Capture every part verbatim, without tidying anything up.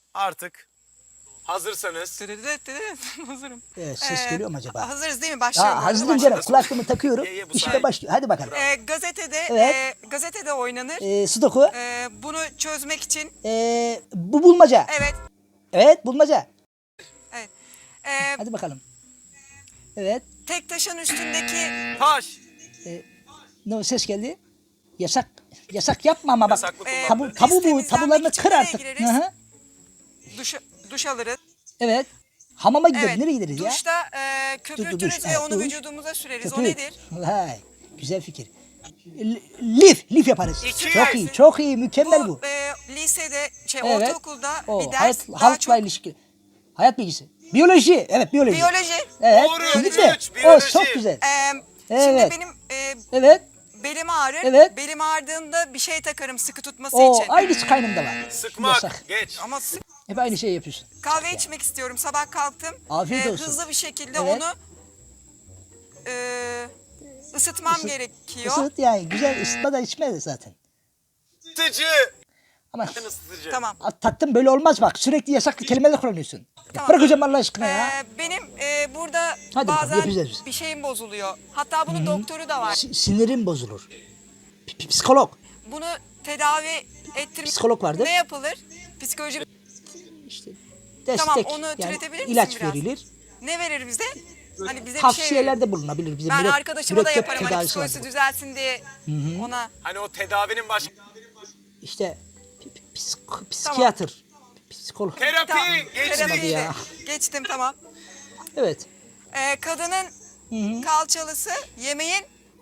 Artık hazırsanız. Hazırım. Evet, ses Ee, geliyor mu acaba? Hazırız değil mi? Başlıyorum. Aa, hazırım canım. Kulaklığımı takıyorum. Ye, ye, bu İşte sayede. başlıyor. Hadi bakalım. Ee, gazetede Evet. e, gazetede oynanır. Ee, Sudoku. Ee, bunu çözmek için Ee, bu bulmaca. evet Evet, bulmaca. evet. Ee, Hadi bakalım. Evet. tek taşın üstündeki Taş. Ne o ses geldi? Yasak. Yasak yapma ama bak. Yasaklı kullandı. Tabu, tabu bu. temizlenmek Tabularını için kır nereye artık. gireriz? Hı hı. duş duş alırız. Evet. Hamama gideriz. Evet. Nereye gideriz ya? Duşta e, köpürtürüz duş, ve evet, onu duş. vücudumuza süreriz. O Köpük. nedir? Vay. Güzel fikir. L- Lif. Lif yaparız. İki. Çok iyi. Çok iyi. Mükemmel bu. Bu e, lisede, şey Evet. ortaokulda O, bir ders hayat, daha halkla çok ilişki. Hayat bilgisi. Biyoloji. Evet, biyoloji. biyoloji. Evet. Doğru, Şimdi üç, o biyoloji. çok güzel. Ee, Evet. Şimdi benim e, Evet. belim ağrır. Evet. Belim ağrıdığında bir şey takarım sıkı tutması O için. aynısı kaynımda var. Sıkmak. Yasak. Geç. Ama sık Hep aynı şeyi yapıyorsun. kahve içmek istiyorum. Sabah kalktım. Afiyet Ee, olsun. Hızlı bir şekilde Evet. onu e, ısıtmam Isı- gerekiyor. Isıt yani. Güzel ısıtma da içme de zaten. Isıtıcı. Ama Isıtıcı. Tamam. tatlım böyle olmaz bak. Sürekli yasaklı kelimeler kullanıyorsun. Tamam. Bırak hocam Allah aşkına ya. Ee, benim e, burada Hadi bakalım, bazen yapacağız biz. bir şeyim bozuluyor. Hatta bunun doktoru da var. Si- sinirin bozulur. P- p- Psikolog. Bunu tedavi ettirmek Psikolog vardır. ne yapılır? Psikoloji İşte destek. Tamam, onu yani türetebilir misin ilaç biraz? verilir. ne verir bize? Hani bize bir şey Tavsiyelerde bulunabilir. Bize Ben mürek- arkadaşıma da mürekkep yaparım hani tedavisi psikolojisi vardır. düzelsin diye ona. Hani o tedavinin baş... İşte p- p- psik- psikiyatr. Psikolog. Terapi. Tamam. Geçtik. Terapiyi de ya. geçtim tamam. Evet. Ee, kadının kalçalısı yemeğin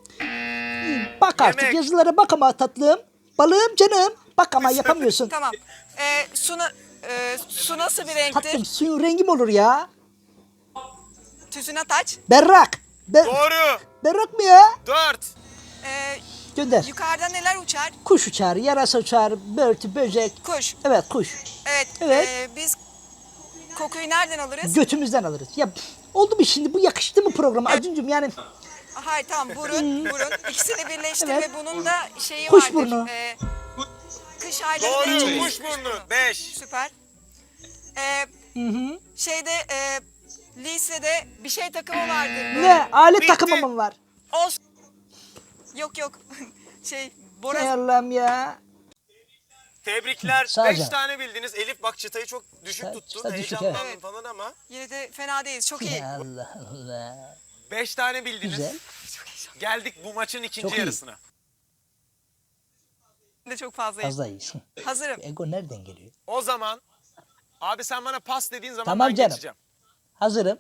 Bak artık Yemek. yazılara bak ama tatlım. Balığım canım. Bak ama yapamıyorsun. tamam. Ee, su, na- e, su nasıl bir renktir? Tatlım suyun rengi mi olur ya? Tüzüne taç. Berrak. Be- Doğru. berrak mı ya? Dört. Ee, Gönder. yukarıda neler uçar? Kuş uçar, yarasa uçar, börtü, böcek. Kuş. Evet kuş. Evet. Evet. ee, biz kokuyu nereden alırız? Götümüzden alırız. Ya oldu mu şimdi bu yakıştı mı programa Acuncum yani? Hayır tamam burun burun. İkisini birleştir Evet. ve bunun da şeyi Kuş vardır. burnu. Ee, kış aylarında Doğru. içeriz. Kuş burnu. Beş. Süper. Ee, Şeyde e, lisede bir şey takımı vardır. Böyle. Ne? Alet Bitti. takımı mı var? Os. Yok yok. şey Hay Bora. Allah'ım ya. Tebrikler. Sağ ol Beş canım. tane bildiniz. Elif bak çıtayı çok düşük Çıta- tuttun. çıta düşük, Heyecanlandın evet. falan ama. Yine de fena değiliz. Çok iyi. Ya Allah Allah. Beş tane bildiniz. Güzel. Geldik bu maçın ikinci Çok iyi. yarısına. Ben de çok fazlayım. Fazla iyisin. Hazırım. Ego nereden geliyor? O zaman abi sen bana pas dediğin zaman Tamam ben canım. geçeceğim. Hazırım.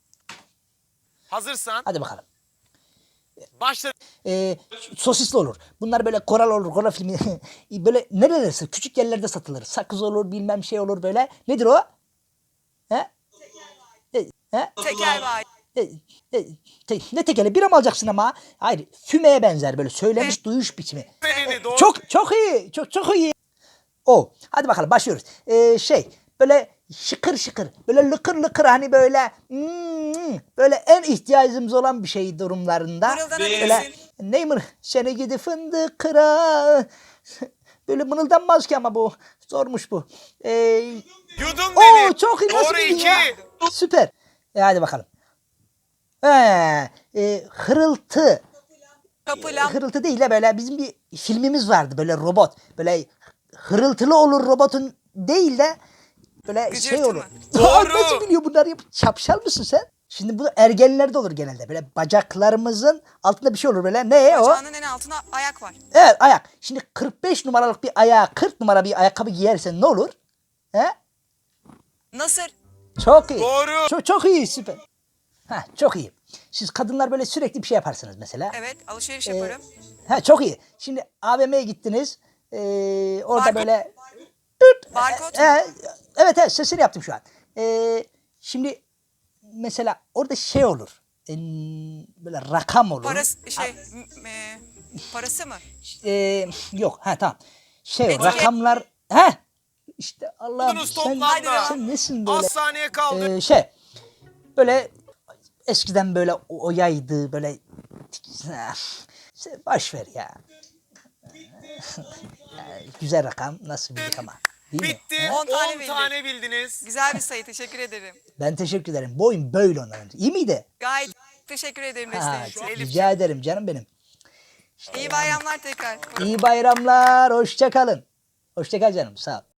Hazırsan Hadi bakalım. başla. Ee, sosisli olur. Bunlar böyle koral olur. Koral filmi. böyle nerelerde? Küçük yerlerde satılır. Sakız olur bilmem şey olur böyle. Nedir o? He? E, He? Tekel var. E, e, te- ne tekeli? Bira mı alacaksın ama? Hayır. Fümeye benzer böyle. Söylemiş duyuş biçimi. Serini doğru. Çok çok iyi. Çok çok iyi. O. Hadi bakalım başlıyoruz. Ee, şey böyle şıkır şıkır. Böyle lıkır lıkır hani böyle hmm, böyle en ihtiyacımız olan bir şey durumlarında. Mırıldanabilirsin. Böyle ne mır? Seni gidi fındık kıra. Böyle mırıldanmaz ki ama bu. Zormuş bu. Ee, Yudum Oo beni. çok iyi. Nasıl Doğru bildin iki. ya? Süper. E, hadi bakalım. Ee, e, hırıltı. Kapılam. Hırıltı değil de böyle bizim bir filmimiz vardı böyle robot. Böyle hırıltılı olur robotun değil de böyle Gıcırtı şey olur. mı? Aa, Doğru. nasıl biliyor bunlar yap? Şapşal mısın sen? Şimdi bu ergenlerde olur genelde. Böyle bacaklarımızın altında bir şey olur böyle. Ne o? Bacağının en altına ayak var. Evet ayak. Şimdi kırk beş numaralık bir ayağa kırk numara bir ayakkabı giyersen ne olur? He? Nasır. Çok iyi. Doğru. Çok, çok iyi süper. Ha çok iyi. Siz kadınlar böyle sürekli bir şey yaparsınız mesela. Evet alışveriş Ee, yaparım. ha çok iyi. Şimdi A V M'ye gittiniz. Ee, orada Barkod. böyle tüt, Barkod. e, e, evet evet sesini yaptım şu an. Ee, şimdi mesela orada şey olur. Ee, böyle rakam olur. Parası şey m- e, parası mı? Ee, yok ha tamam. Şey Etiket. rakamlar ha işte Allah'ım Buldunuz sen, toplamda. sen nesin böyle? Az saniye kaldı. Ee, şey böyle eskiden böyle o- oyaydı böyle Sen boş ver ya. Ya, güzel rakam nasıl bildik ama. Değil mi? Bitti. On on tane tane, bildik. bildiniz. Güzel bir sayı. Teşekkür ederim. Ben teşekkür ederim. Bu oyun böyle oynanır. İyi miydi? Gayet teşekkür ederim Ha, desteğin için. rica ederim canım benim. İyi bayramlar tekrar. İyi bayramlar. Hoşça kalın. Hoşça kal canım. Sağ ol.